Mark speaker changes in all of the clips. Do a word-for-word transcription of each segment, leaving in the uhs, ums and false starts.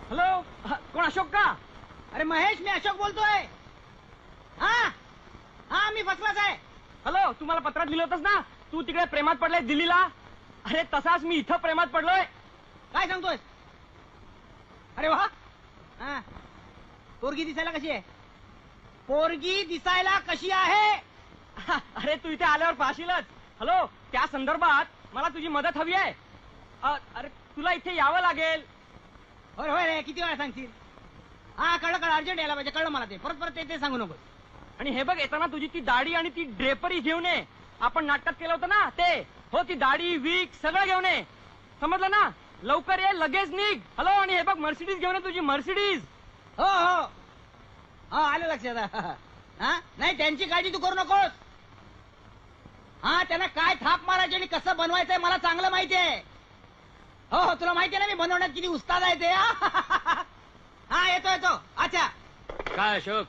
Speaker 1: Hello, कोण अशोक का?
Speaker 2: अरे महेश, मी अशोक बोलतोय. हा हा मी फसलाच आहे.
Speaker 1: हॅलो, तू मला पत्रात लिहिलं होतंस ना, तू तिकडे प्रेमात पडलाय दिल्लीला. अरे तसाच मी इथं प्रेमात पडलोय.
Speaker 2: काय सांगतोय? अरे वा, हा पोरगी दिसायला कशी आहे? पोरगी दिसायला कशी आहे?
Speaker 1: अरे तू इथे आल्यावर पाहशीलच. हॅलो, त्या संदर्भात मला तुझी मदत हवी आहे. अ, अरे तुला इथे यावं लागेल.
Speaker 2: होय होय रे, किती वेळा सांगशील? हा कळलं कळलं, अर्जंट यायला पाहिजे. कळलं मला ते. परत परत ते ते सांगू नको.
Speaker 1: आणि हे बघ, येताना तुझी ती दाढी आणि ती ड्रेपरी घेऊन ये. आपण नाटकात केलं होतं ना ते. हो, ती दाढी वीक सगळं घेऊन ये. समजलं ना? लवकर ये, लगेच निघ. हॅलो, आणि हे बघ, मर्सिडीज घेऊन ये, तुझी मर्सिडीज.
Speaker 2: हो हो हो, आलं लक्षात. हा नाही, त्यांची काळजी तू करू नकोस. हा, त्यांना काय थाप मारायची आणि कसं बनवायचंय मला चांगलं माहिती आहे. हो हो, तुला माहिती आहे ना मी बनवण्यात किती उस्ताद आहे ते. हा येतो येतो. अच्छा,
Speaker 3: काय अशोक?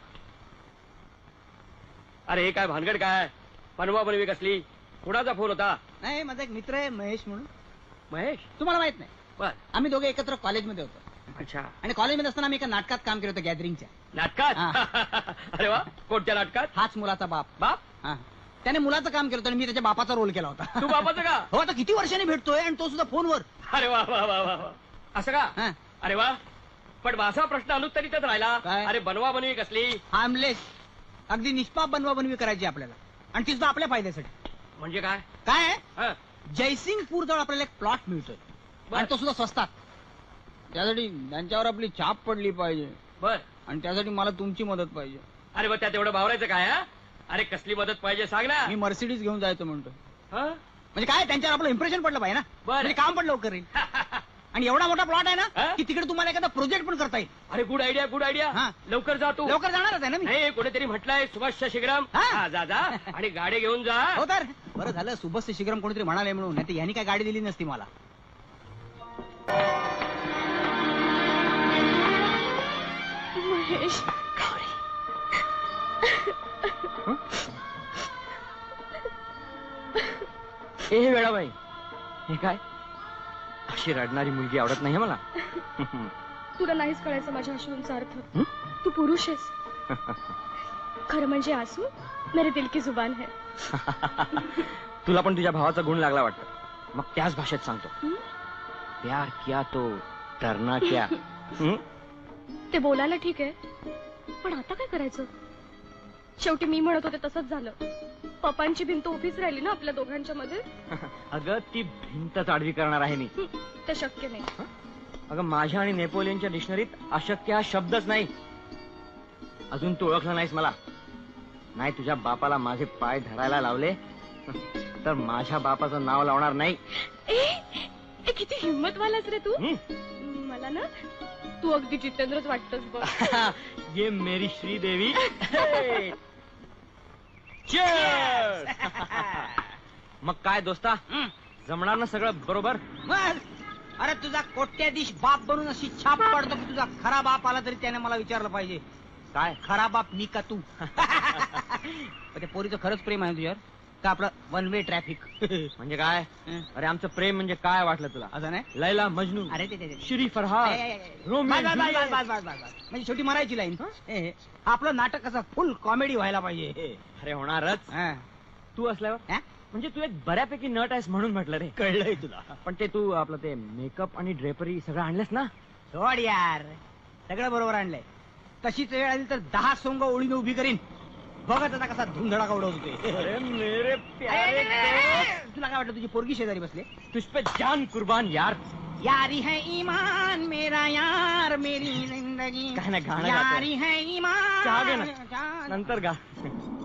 Speaker 3: अरे हे काय भानगड? काय बनवा बनवी कसली? कुणाचा फोन होता?
Speaker 2: नाही माझा एक मित्र आहे महेश म्हणून.
Speaker 3: महेश?
Speaker 2: तुम्हाला माहित नाही?
Speaker 3: बर.
Speaker 2: आम्ही दोघे एकत्र कॉलेजमध्ये होतो.
Speaker 3: अच्छा.
Speaker 2: आणि कॉलेजमध्ये असताना आम्ही एका नाटकात काम केलं होतं, गॅदरिंगच्या
Speaker 3: नाटकात? अरे वा, कोणत्या नाटकात?
Speaker 2: हाच मुलाचा बाप.
Speaker 3: बाप?
Speaker 2: हा, त्याने मुलाचं काम केलं होतं आणि मी त्याच्या बापाचा रोल केला होता.
Speaker 3: तू बापाचं का?
Speaker 2: हो, आता किती वर्षांनी भेटतोय आणि तो सुद्धा फोनवर.
Speaker 3: अरे वा वा वा वा वा. असं का?
Speaker 2: हा.
Speaker 3: अरे वा, पण माझा प्रश्न अनुत्तरितच राहिला.
Speaker 2: काय?
Speaker 3: अरे बनवा बनवी कसली?
Speaker 2: हार्मलेस, अगदी निष्पाप बनवा बनवी करायची आपल्याला, आणि ती सुद्धा आपल्या फायद्यासाठी.
Speaker 3: म्हणजे काय?
Speaker 2: काय आहे?
Speaker 3: हं.
Speaker 2: जयसिंगपूर जवळ आपल्याला एक प्लॉट मिळतोय
Speaker 3: बर.
Speaker 2: आणि तो सुद्धा स्वस्तात. त्यासाठी त्यांच्यावर आपली छाप पडली पाहिजे
Speaker 3: बर.
Speaker 2: आणि त्यासाठी मला तुमची मदत पाहिजे.
Speaker 3: अरे मग त्यात एवढं भावरायचं काय? हा? अरे कसली मदत पाहिजे सांग ना.
Speaker 2: मी मर्सिडीज घेऊन जायचं म्हणतो.
Speaker 3: हं?
Speaker 2: म्हणजे काय, त्यांच्यावर आपलं इम्प्रेशन पडलं पाहिजे ना.
Speaker 3: बर.
Speaker 2: म्हणजे काम पण लवकर येईल. आणि एवढा मोठा प्लॉट आहे
Speaker 3: हा?
Speaker 2: ना की तिकडे तुम्हाला एखादा प्रोजेक्ट पण करता येईल.
Speaker 3: अरे गुड आयडिया, गुड आयडिया.
Speaker 2: हा.
Speaker 3: लवकर जा तू.
Speaker 2: लवकर जाणारच आहे ना मी.
Speaker 3: नाही, कोणीतरी म्हटलंय सुभाष शीघ्रम.
Speaker 2: हा?
Speaker 3: हा, जा जा आणि गाडी घेऊन जा.
Speaker 2: हो तर बरं झालं सुबस शीघ्रम कोणीतरी म्हणाले म्हणून, नाही यांनी काय गाडी दिली नसती मला.
Speaker 4: महेश,
Speaker 1: ए वेळाबाई, हे काय? अशी रडणारी मुलगी आवडत नाही मला.
Speaker 4: तुला नाहीच कळायचं माझ्या अश्रूंचा अर्थ.
Speaker 1: हं?
Speaker 4: तू पुरुष आहेस. खरं म्हणजे आंसू मेरे दिल की जुबान है.
Speaker 1: तुला पण तुझ्या भावाचा गुण लागला वाटतं. मग त्याच भाषेत सांगतो.
Speaker 4: हं?
Speaker 1: प्यार किया तो डरना क्या. हं?
Speaker 4: ते बोलायला ठीक आहे, पण आता काय करायचं? शेवटी मी म्हणत होते तसंच झालं. पप्पांची भिंत उभीच राहिली ना आपल्या दोघांच्या मध्ये.
Speaker 1: अगं ती भिंतच आडवी करणार आहे मी.
Speaker 4: हं, ते शक्य नाही.
Speaker 1: अगं माझ्या आणि नेपोलियनच्या डिक्शनरीत अशक्य हा शब्दच नाही. अजून तू ओळखला नाहीस मला. नाही तुझ्या बापाला माझे पाय धरायला लावले तर माझ्या बापाचं नाव लावणार नाही.
Speaker 4: ए, ए किती हिम्मतवालाच रे तू.
Speaker 1: हं?
Speaker 4: मला ना तू अगदी जितेंद्रच वाटतोस बघ.
Speaker 1: ये मेरी श्रीदेवी. Cheers! मग काय दोस्ता,
Speaker 2: हं.
Speaker 1: जमणार ना सगळं बरोबर?
Speaker 2: मग अरे तुझा कोट्याधीश बाप बनून अशी छाप पडतो की तुझा खरा बाप आला तरी त्याने मला विचारलं पाहिजे,
Speaker 1: काय
Speaker 2: खरा बाप मी का तू? पण त्या पोरीचं खरंच प्रेम आहे तुझ्यावर का आपलं वन वे ट्रॅफिक?
Speaker 1: म्हणजे काय?
Speaker 2: हं.
Speaker 1: अरे आमचं प्रेम म्हणजे काय वाटलं तुला?
Speaker 2: असं नाही.
Speaker 1: लैला मजनू,
Speaker 2: अरे ते- ते ते-
Speaker 1: श्री
Speaker 2: ए, ए,
Speaker 1: फरहाद,
Speaker 2: ए, ए.
Speaker 1: रोमियो
Speaker 2: बस, बस, बस,
Speaker 1: जुलियट.
Speaker 2: बस, बस, बस, बस. म्हणजे छोटी मरायची लाईन. ए, ए. आपलं नाटक कसं फुल कॉमेडी व्हायला पाहिजे.
Speaker 1: अरे होणारच.
Speaker 2: हा.
Speaker 1: तू असल्यावर
Speaker 2: हा?
Speaker 1: म्हणजे तू एक बऱ्यापैकी नट आहेस म्हणून म्हटलं रे.
Speaker 2: कळलंय तुला.
Speaker 1: पण ते तू आपलं ते मेकअप आणि ड्रेपरी सगळं आणलंस ना?
Speaker 2: सोड यार, सगळं बरोबर आणलंय. तशीच वेळ आली तर दहा सोंग ओळीने उभी करीन. बघत आता कसा धुंधडाका उडवतोय.
Speaker 1: अरे मेरे प्यारे दोस्त,
Speaker 2: तुला काय वाटलं तुझी पोरगी शेजारी बसले?
Speaker 1: तुझ पे जान कुर्बान यार.
Speaker 2: यारी है ईमान मेरा यार मेरी जिंदगी.
Speaker 1: काय नाही, गाणं गातोय.
Speaker 2: यारी है ईमान.
Speaker 1: चहा घे ना.
Speaker 2: जान.
Speaker 1: नंतर गा.